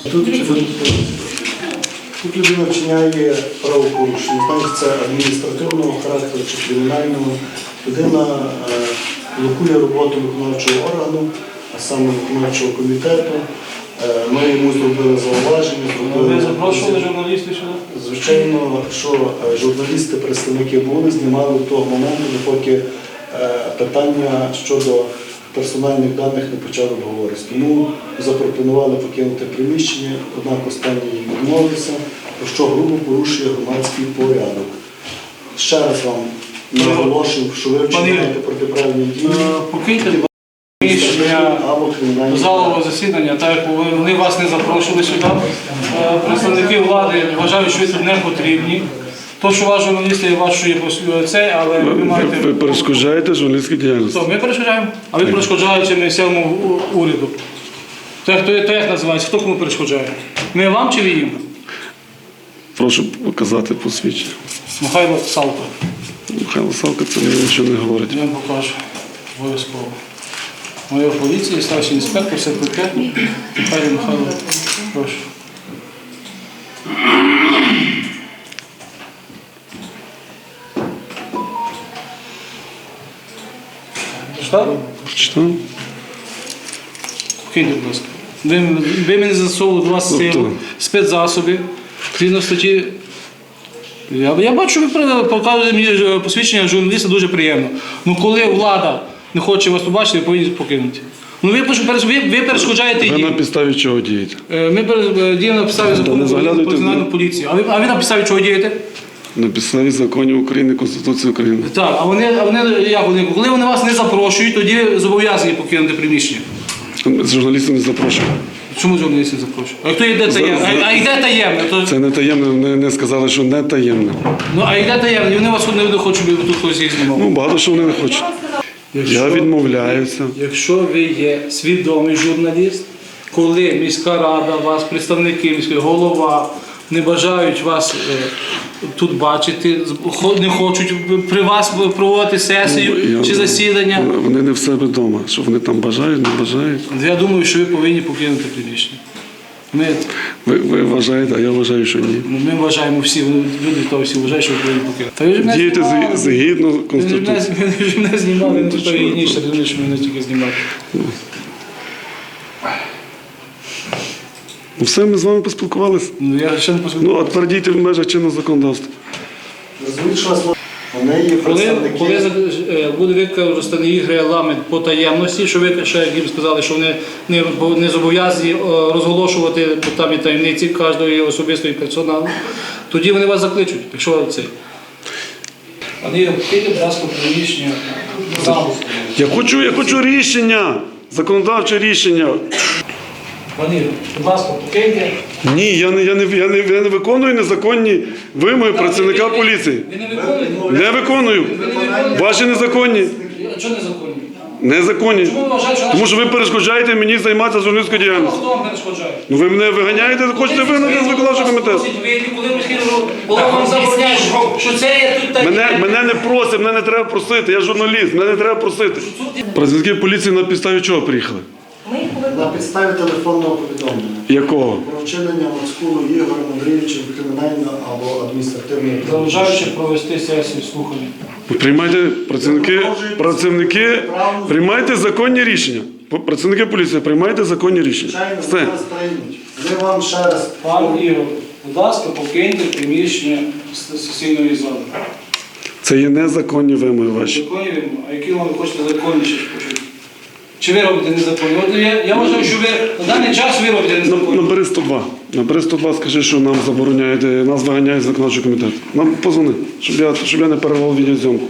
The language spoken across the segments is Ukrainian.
Тут людина вчиняє правопорушення, знаєте, це адміністративного характеру чи кримінального. Людина блокує роботу виконавчого органу, а саме виконавчого комітету. Ми йому зробили зауваження. Ви запрошували журналістів сюди? Звичайно, що журналісти, представники були, знімали до того моменту, допоки питання щодо персональних даних не почали обговоритися. Тому запропонували покинути приміщення, однак останній відмовився, про що грубо порушує громадський порядок. Ще раз вам наголошую, що ви вчиняєте протиправні дії. Покиньте приміщення залового засідання, так як вони вас не запрошували сюди. Представники влади вважають, що ви тут не потрібні. То, що ваш журналіст є вашою це, але ви маєте... Ви перешкоджаєте журналістській діяльності. Ми перешкоджаємо, а ви перешкоджаєте місцевому уряду. То як називається? Хто кому перешкоджає? Ми вам чи ви їм? Прошу показати посвідчення. Михайло Салко. Михайло Салко, це мені нічого не говорить. Я вам покажу. Обов'язково. Майор поліції, старший інспектор, СПК. Михайло. Прошу. Прочитали? Прочитав? Покиньте, будь ласка. Ви мене засовували до вас спецзасоби. Згідно статті. Я бачу, ви показуєте мені посвідчення журналіста дуже приємно. Ну коли влада не хоче вас побачити, ви повинні покинути. Ну ви перешкоджаєте їм. Ви на підставі чого дієте? Ми діємо на підставі закону про національну поліцію. А ви на підставі чого дієте? На підставі законів України, Конституції України. Так, а вони коли вони вас не запрошують, тоді зобов'язані покинути приміщення. Журналістів не запрошують. Чому журналістів не запрошують? А хто йде таємно? А йде таємно? Це не таємне, не сказали, що не таємне. Ну, а йде таємно, і вони вас не хочуть, щоб тут хтось їх знімав. Ну, багато що вони не хочуть. Я відмовляюся. Якщо ви є свідомий журналіст, коли міська рада, вас, представники міської, голова, не бажають вас тут бачити, не хочуть при вас проводити сесію чи засідання. Вони не в себе вдома. Що вони там бажають, не бажають. Я думаю, що ви повинні покинути приміщення. Ви вважаєте, а я вважаю, що ні. Ми вважаємо всі, люди то всі вважають, що ви повинні покинути. Дієте згідно Конституції. Ви ж мене знімали, не то гідніше, що мене тільки знімати. Ну все, ми з вами поспілкувалися. Я ще не поспілкувався. Ну, а тепер дійте в межах чинного законодавства. Коли буде використаний їх регламент по таємності, що ви ще як їм сказали, що вони не зобов'язані розголошувати там і таємниці кожної особистої персоналу, тоді вони вас закличуть, якщо це. Пане Ігор, підійте, будь ласка, приміщення залу. Я хочу рішення, законодавче рішення. Пане Ігор, будь ласка, покиньте. Ні, я не виконую незаконні вимоги працівника поліції. Ви не виконуєте? Не виконую. Ваші незаконні. Чого незаконні? Незаконні. Чому ви вважаєте, що Тому що ви перешкоджаєте мені займатися журналістською діяльністю. хто вам перешкоджає? Ну ви мене виганяєте, хочете вигнати з виконавчого комітету. Коли міський голова вам забороняє, що це є тут таке. Мене не просять, мене не треба просити, я журналіст, мене не треба просити. Працівники поліції на підставі чого приїхали? На підставі телефонного повідомлення. Якого? Про вчинення Мацкулу Ігорем Андрійовичем кримінального або адміністративного Заважаючи провести сесію слухання. Приймайте, працівники, приймайте законні рішення. Працівники поліції, приймайте законні рішення. Звичайно, Все. вони вас приймуть. Ми вам ще раз... Пан Ігор, будь ласка, покиньте приміщення сесійної зали. Це є незаконні вимоги ваші. Законні вимоги? А які вам ви хочете законніше почути? Чи ви робите незаконні? От я вважаю, що ви на даний час ви робите незаконні. Набери 102. Набери 102, скажи, що нам забороняють, нас виганяють з виконавчого комітету. Нам позвони, щоб я не перервав відеозйомку.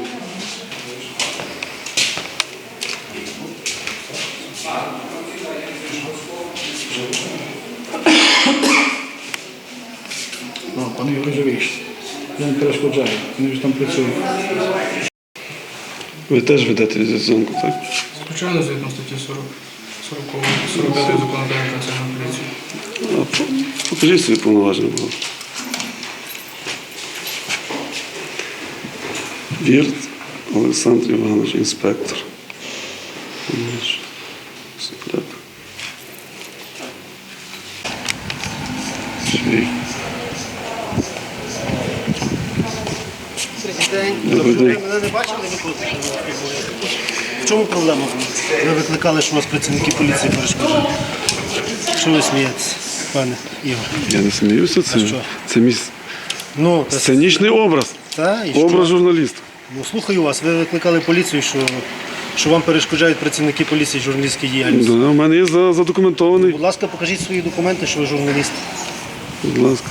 Пане Ігор, вже вийшли. Я не перешкоджаю, вони вже там працюють. Ви теж ведете відеозйомку, так? Звичайно, згідно статті 45 закону про національну поліцію. Покажіть свої повноваження, будь ласка. Вірт Олександр Іванович, інспектор. Секрет. Добрий день. Мене не бачили ніколи? В чому проблема? Ви викликали, що у вас працівники поліції перешкоджають. Що ви смієтеся, пане Ігор? Я не сміюся, це, що? це мій Ну, сценічний образ. та, і що? Образ журналіста. Ну, слухаю вас, ви викликали поліцію, що вам перешкоджають працівники поліції журналістській діяльності. Да, у мене є задокументований. Будь ласка, покажіть свої документи, що ви журналіст. Будь ласка.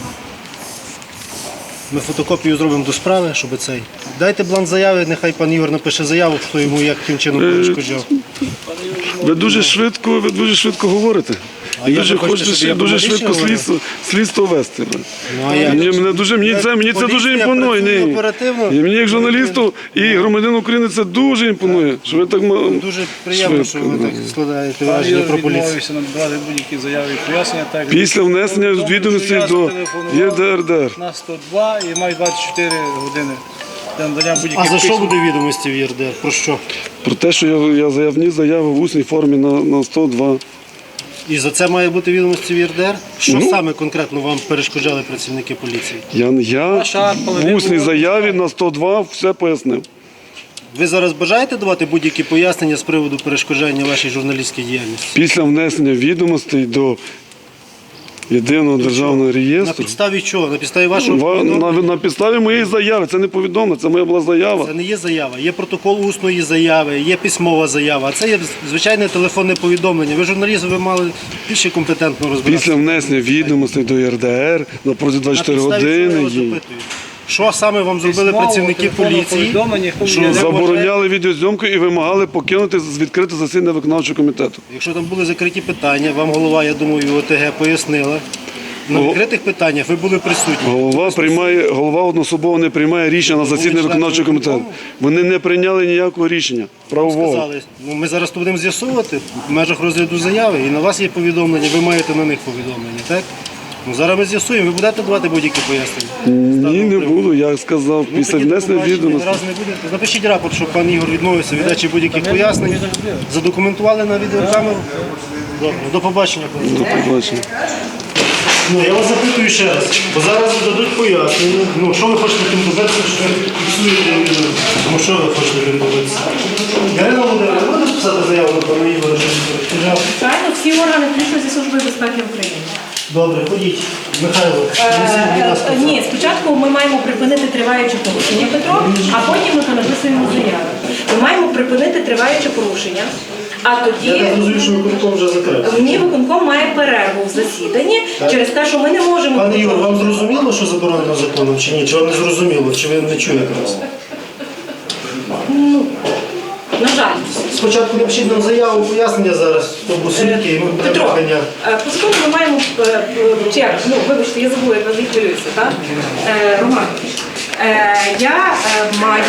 Ми фотокопію зробимо до справи, щоб цей. Дайте бланк заяви, нехай пан Ігор напише заяву, хто йому яким чином перешкоджав. Ви дуже швидко говорите. А І як дуже ви хочете, хочете щоб я дуже повністю швидко говорив? слідство вести. Ну, а як? Мені це дуже Поліція імпонує. працює Ні. оперативно. І мені як журналісту і громадянину України це дуже імпонує. Що ви так Дуже приємно, що ви так складаєте враження про поліцію. Відмовився надавати будь-які заяви і пояснення. Так, після внесення відомостей до ЄРДР. на 102 і маю 24 години для надання будь-яких А за що письм. буде відомості в ЄРДР? Про що? Про те, що я вніс заяву в усній формі на 102. І за це має бути відомості в ЄРДР? Що Ну. саме конкретно вам перешкоджали працівники поліції? Я в усній заяві на 102 все пояснив. Ви зараз бажаєте давати будь-які пояснення з приводу перешкоджання вашій журналістській діяльності? Після внесення відомостей до єдиного державного На реєстру. підставі чого? На підставі вашого повідомлення? На підставі моєї заяви, це не повідомлення, це моя була заява. Це не є заява. Є протокол усної заяви, є письмова заява. А це є звичайне телефонне повідомлення. Ви журналіст, ви мали більше компетентно розбиратися. Після внесення відомостей до ЄРДР на протязі 24 На підставі чого я години вас їй запитую? Що саме вам зробили Письмово, працівники телефонне поліції? повідомлення, хто Що мені не забороняли відеозйомку і вимагали покинути відкрите засідання виконавчого комітету. Якщо там були закриті питання, вам голова, я думаю, ОТГ пояснила. На Го- відкритих питаннях ви були присутні. Голова одноособово не приймає рішення на засідання членом виконавчого комітету. виконкому? Вони не прийняли ніякого рішення правового. Сказали, ну, ми зараз то будемо з'ясовувати в межах розгляду заяви, і на вас є повідомлення, ви маєте на них повідомлення, так? Ну, зараз ми з'ясуємо, ви будете давати будь-які пояснення? Ні, не буду, я сказав, Ну, після тоді внесення побачимо, відомостей. раз не будете. Напишіть рапорт, щоб пан Ігор відмовився від дачі будь-яких пояснень. Задокументували на відеокамеру. Добре, до побачення. До побачення. Ну, я вас запитую ще раз, бо зараз дадуть пояснення. Ну, що ви хочете тим добитися, що ви фіксуєте відео? Ну, що ви хочете тим добитися? Ярина Володимирівна, ви будете писати заяву на пана Ігора, що він перешкоджав? Звичайно, всі органи, включно зі Служби безпеки України. Добре, ходіть. Михайло, несіть, будь ласка. Ні, спочатку ми маємо припинити триваюче порушення, Петро, а потім ми написуємо заяву. Ми маємо припинити триваюче порушення, а Я тоді так розумію, що виконком вже закрив. ні, виконком має перерву в засіданні через те, що ми не можемо. Пане Ігор, вам зрозуміло, що заборонено законом, чи ні? Чи вам не зрозуміло, чи ви не чуєте нас? На жаль. Спочатку напишіть нам заяву, пояснення зараз, хто був свідки, і ми будемо Петро, виганяти. по закону ми маємо вибачте, я забула, я не хвилююся, так? Роман, я маю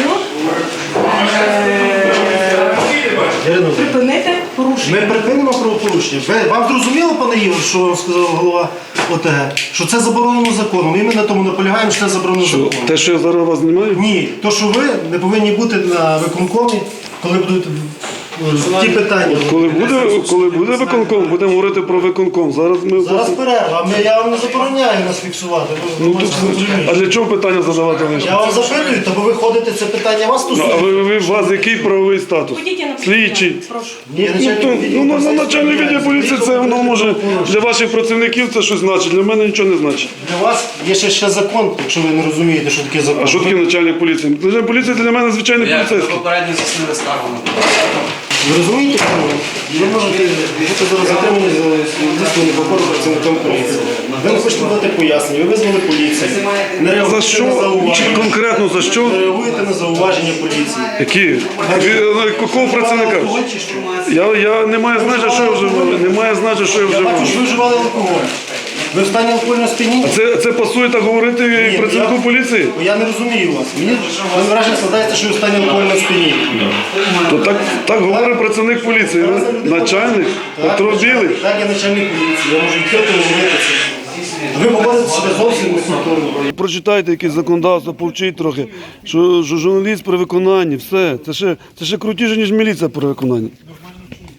Ярина, припинити порушення. ми припинимо правопорушення. Вам зрозуміло, пане Ігор, що вам сказав голова ОТГ? Що це заборонено законом. І ми на тому наполягаємо, що це заборонено законом. Те, що я зараз вас знімаю? Ні, то що ви не повинні бути на виконкомі, коли будуть ті питання. Коли буде виконком, будемо говорити про виконком. Зараз ми Зараз перерва, я вам не забороняю нас фіксувати. Ну, тут, а для чого питання задавати лише? Я вам запитую, то бо ви ходите, це питання вас А стосується. у вас який правовий статус? Ходіть, я напишу. Слідчий. Прошу. Ні, Начальник відділу поліції, це воно може для ваших працівників це щось значить, для мене нічого не значить. Для вас є ще закон, якщо ви не розумієте, що таке закон. А що таке начальник поліції? Начальник поліції для мене звичайний Як поліцейський. попередньо заснили скаргу на Ви розумієте, що ви можете бути зараз затримані за дійсно непокору працівникам поліції. Ви не хочете дати пояснення, ви визвали поліцію. Не За реагуєте що? на зауваження. Конкретно за що? Не реагуєте на зауваження поліції. Які? Якого працівника? Алкоголь чи що? Я не маю значення, що я вживаю. Не має значення, що я Я вживаю. бачу, що ви вживали алкоголь. Ви в стані алкогольного сп'яніння? Це пасує так говорити Ні, працівнику я- поліції? Я не розумію вас. Мені враження складається, що ви в стані алкогольного сп'яніння. То так говорить працівник поліції. Начальник Петро Білий. Так, я начальник поліції, я можу відкрито говорити це. Ви поводите себе зовсім некультурно. Прочитайте якесь законодавство, повчіть трохи, що журналіст при виконанні, все. Це ще крутіше, ніж міліція при виконанні.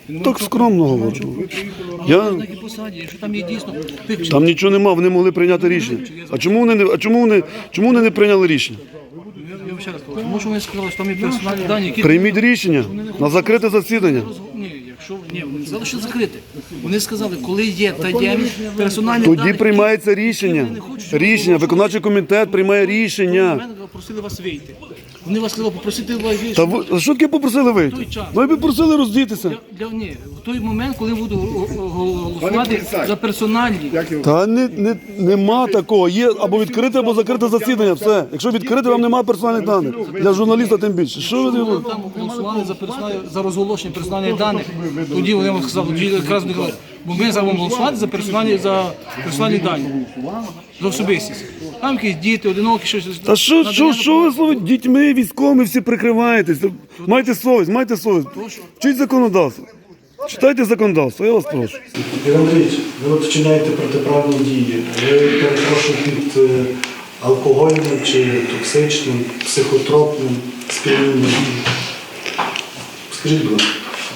Так скромно говорю. Я... На якій посаді, якщо там є дійсно тих Там нічого нема, вони могли прийняти рішення. А чому вони не прийняли рішення? я вам ще раз кажу, тому що вони сказали, що там є персональні дані, які Прийміть рішення на закрите засідання. Ні, вони не сказали, що закрити. Вони сказали, коли є таємні персональні Тоді дані, приймається рішення. Рішення, виконавчий комітет приймає рішення. мене просили вас вийти. Вони вас сказали, попросити вас вийти. Та ви що таке попросили вийти? Ну ви просили роздітися. Ні, в той момент, коли буду голосувати за персональні. Та нема такого. Є або відкрите, або закрите засідання. Все. Якщо відкрите, вам немає персональних даних. Для журналіста тим більше. Що ви робите? Там голосували за розголошення персональних даних. Тоді вони вам сказали, тоді якраз вони казали, бо ми за вам голосувати за персональні дані. За особистість. Там якісь діти, одинокі, щось. Та що ви слово дітьми, військовими всі прикриваєтесь? Майте совість. Вчіть законодавство. Читайте законодавство, я вас прошу. Ігор Андрійович, ви от вчиняєте протиправні дії. Ви, перепрошую, під алкогольним чи токсичним, психотропним сп'янінням. Скажіть, будь ласка.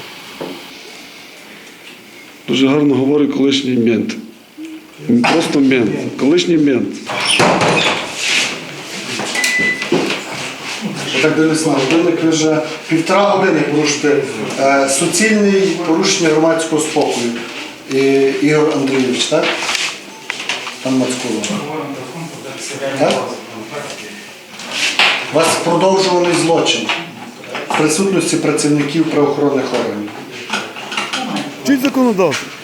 Дуже гарно говорить колишній мент. Просто мент. Колишній мент. Так дивлюсь на годинник, ви вже 1,5 години порушите суцільне порушення громадського спокою. Ігор Андрійович, так? Пан Мацкулов. Так? У вас продовжуваний злочин в присутності працівників правоохоронних органів. Вчіть законодавство.